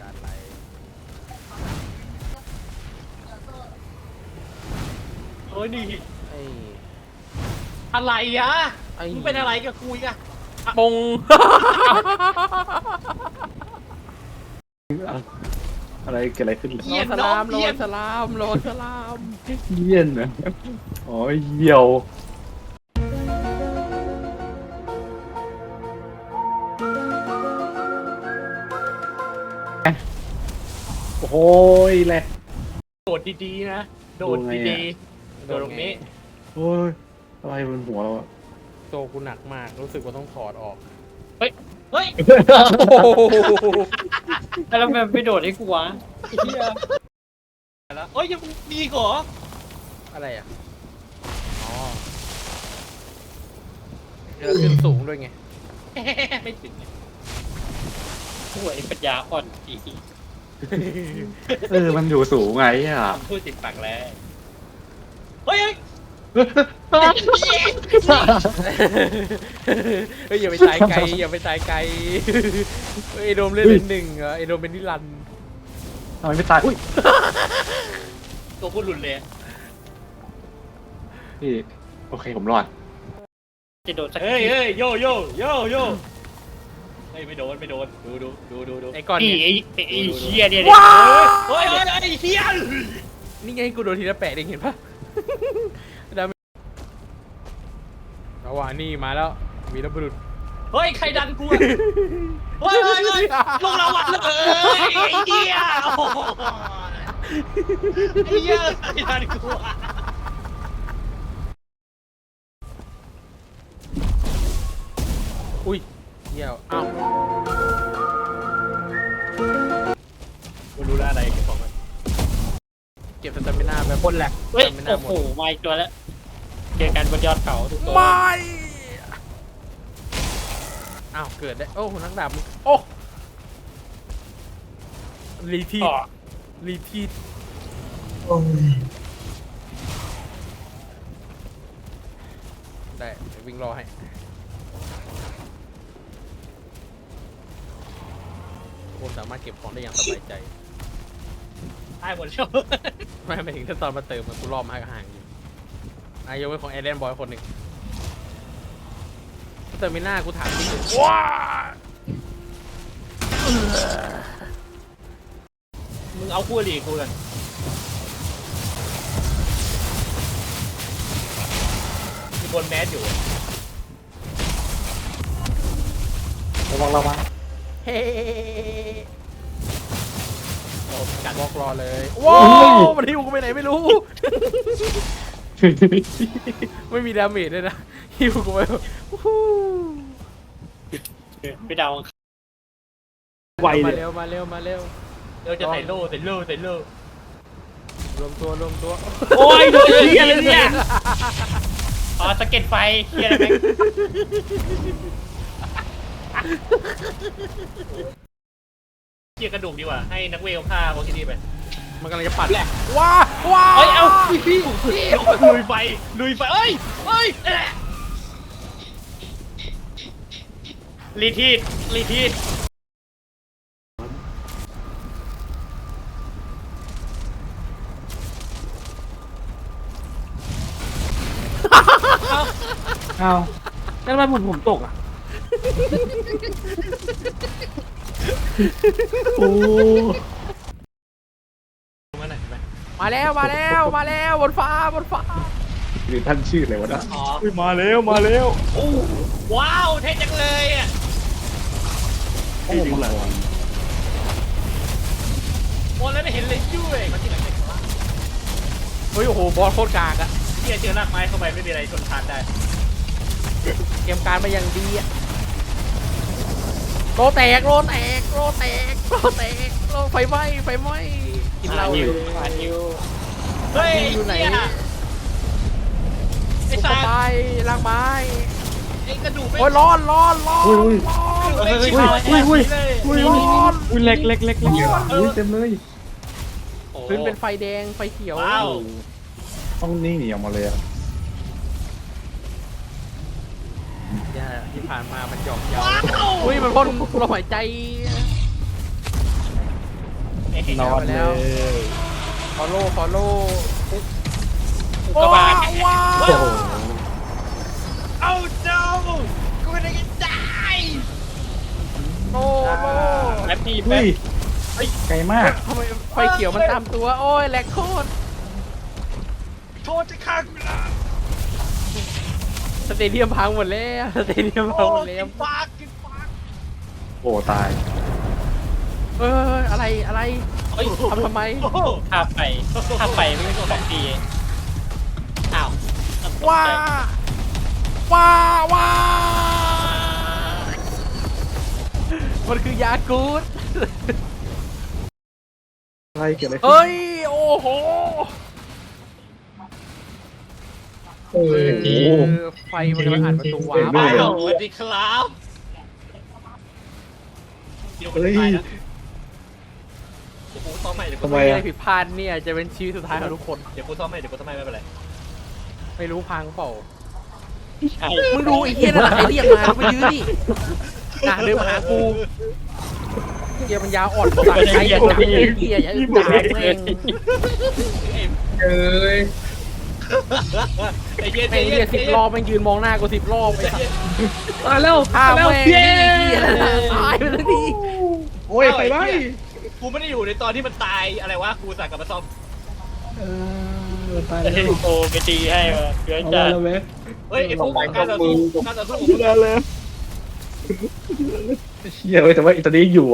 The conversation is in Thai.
การอะไรโอ้ยนี่ไอ้อะไรอ่ะไอ้มึงเป็นอะไรกับกูอีกอะปงอะไรเกิดอะไรขึ้นโลสลามโลสลามโลสลามเยี่ยนนะอ๋อเยี่ยวโอ้โหแหละโดดดีๆนะโดดดูไงดีอะๆโดดตรงนี้โอ้ยอะไรบนหัวเราอะตัวกูหนักมากรู้สึกว่าต้องถอดออกเฮ้ยโอ้โหแล้วมันไม่โดดให้กูวะไอ้เหี้ยแล้วเอ้ยยังมีอีกเหรออะไรอ่ะอ๋อเดี๋ยวขึ้นสูงด้วยไงไม่ถึงห่วยปัญญาอ่อนอีมันอยู่สูงไงอ่ะพูดติดปากแล้วเฮ้ยเฮ้ยอย่าไปตายไกลอย่าไปตายไกลเฮ้ยไอโดมเล่นเป็นหนึ่งเหรอไอโดมเป็นนิรันดร์ทำไมไม่ตายอุ้ยตัวพูดหลุดเลยพี่โอเคผมรอดจะโดดสักเฮ้ยเฮ้ยโยโยโยโยเฮ้ยไม่โดนไม่โดนดูไอก้อนนี่เนี่ยไอ้เหี้ยเนี่ยว้าเฮ้ยเฮ้ยไอ้เฮียนี่ไงกูโดนทีละแปะเองเห็นปะดาเมจเอาว่ะนี่มาแล้ววีรบุรุษเฮ้ยใครดันกูอะเฮ้ยเฮ้ยเฮ้ยลงระวังเลยไอ้เฮียโอ้โหไอ้เฮียใครดันกูอะอุ้ยเหี้ยอ้าวกูรู้แล้วอะไรเก็บของมันเก็บสตามิน่าแบบคนแหลกเฮ้ยสตามิน่าโอ้หมโหดมาอีกตัวแล้วเจอกันบนยอดเขาทุกตัวไม่อ้าวเกิดได้โอ้นักดาบมึงโอ้รีทีอ๋อรีทีได้เดี๋ยววิ่งรอให้ผมสามารถเก็บของได้อย่างสบายใจตายหมดแล้วไม่ไปถึงถ้าตอนมาเติมมันกูรอมาห่างๆอยู่นายยกไว้ของแอดแดนบอยคนหนึ่งเติมไม่น่ากูถามจริงว้ามึงเอาคู่อริกูกันมีบนแมสอยู่ระวังเฮ้โอ้กัดบล็อกรอเลยว้าวมันหิวกูไปไหนไม่รู้ ไม่มีดาเมจเลยนะหิวกูไปวู้ฮู้ไปเดาไวมาเลยเร็วมาเร็วมาเร็วเราจะใส่โล่ใส่โล่ใส่โล่รวมตัวรวมตัวโอ้ยโดนเฮียเลยเนี่ยอ๋อสะเก็ตไฟเหี้ยอะไรแม่งเฮียกระดูกดีกว่าให้นักเวลฆ่าโอเคดีไปมันกำลังจะปัดแหละว้าว้าเอ้ยเอาพี่ลุยไฟลุยไฟเอ้ยเอ้ยรีทีดรีทีดอ้าวแล้วทำไมผมตกอ่ะโอ้มาไหนไปมาแล้วมาแล้วมาแล้วบนฟ้าบนฟ้าหรือท่านชื่ออะไรวะนะอ๋อมาแล้วโอ้ว้าวเท่จังเลยอ่ะโอ้มาแล้วโอ้แล้วไม่เห็นเลยด้วยมันที่ไหนเป็นวะเฮ้ยโอ้โหบอลโคตรกากอะเฮียเจอรากไม้เข้าไปไม่มีอะไรชนทานได้เกมการมาอย่างดีอะโลแตกโลแตกโลแตกโลแตกโลไฟไหม้ไฟไหม้กินเหล้าเลยผ่านนิวเฮ้ยอยู่ไหนเหี้ยไอ้ซุปสาเปอร์ไม้ล่างไม้ไอ้กระดูกไม่โอ้ยร้อนร้อนร้อนร้อนไม่ชิบหายอุ้ยร้อนอุ้ยเล็กอุ้ยเต็มเลยโอ้พื้นเป็นไฟแดงไฟเขียวว้าวต้องนี่หนีออกมาเลยอ่ะเนี่ยที่ผ่านมามันหยอกเย้าว้าวอุ้ยมันพ่นลมหายใจนอนเลยฟอลโล่อุกกาบาตว้าโอ้โหเอ้าเจ้ากูไม่ได้กินได้โล่โล่แป๊บพี่เฮ้แป๊ยบไกลมากทำไมไฟเขียวมันตามตัวโอ้ยแหลกโคตรโทษจะฆ่ากูละสเตเดียมพังหมดแล้วสเตเดียมพัโอ้งหมดกิแล้วนปากกินปากโอ้ตายอะไรเฮ้ยทำไมโอ้โหถ้าไปไม่เป็นของดีอ้าวว้ามันคือยากูดอะไรเกิดอะไรขึ้นเฮ้ยโอ้โหโอ้โหไฟมันกำลังอ่านประตูว้าไปวสวัสดีครับเดี๋ยวกูจะตายนะเดี๋ยวกูซ้อมใหม่เดี๋ยวกูทำไมไม่อะได้ผิดพลาดเนี่ยจะเป็นชีวิตสุดท้ายของทุกคนเดี๋ยวกูซ้อมใหม่ไม่เป็นไรไม่รู้พังเปล่าใช่มึงดูไอ้เหี้ยนั่นแหละไอ้เรียกมามายื้อดิน่ะเดินมาหากูเหี้ยมันยาวอ่อนสัตว์ไอ้จับไอ้เหี้ยอย่าอึดจับแม่งเอ้ยไอ้เหี้ยไอ้เหี้ย10 รอบแม่งยืนมองหน้ากู10 รอบไอ้สัตว์มาแล้วฆ่ามาแล้วแม่งเย้เหี้ยตายไปแล้วดิโอ้ยไปไว้กูไม่ได้อยู่ในตอนที่มันตายอะไรวะกูสั่งกลับมาซ่อมตายไอ้แล้วโตไปตีให้มาเกินเอาจัดแล้วเว้ยเฮ้ยไอ้พวกการต่อสู้เฮียเว้ยแต่ว่าอิตาลีอยู่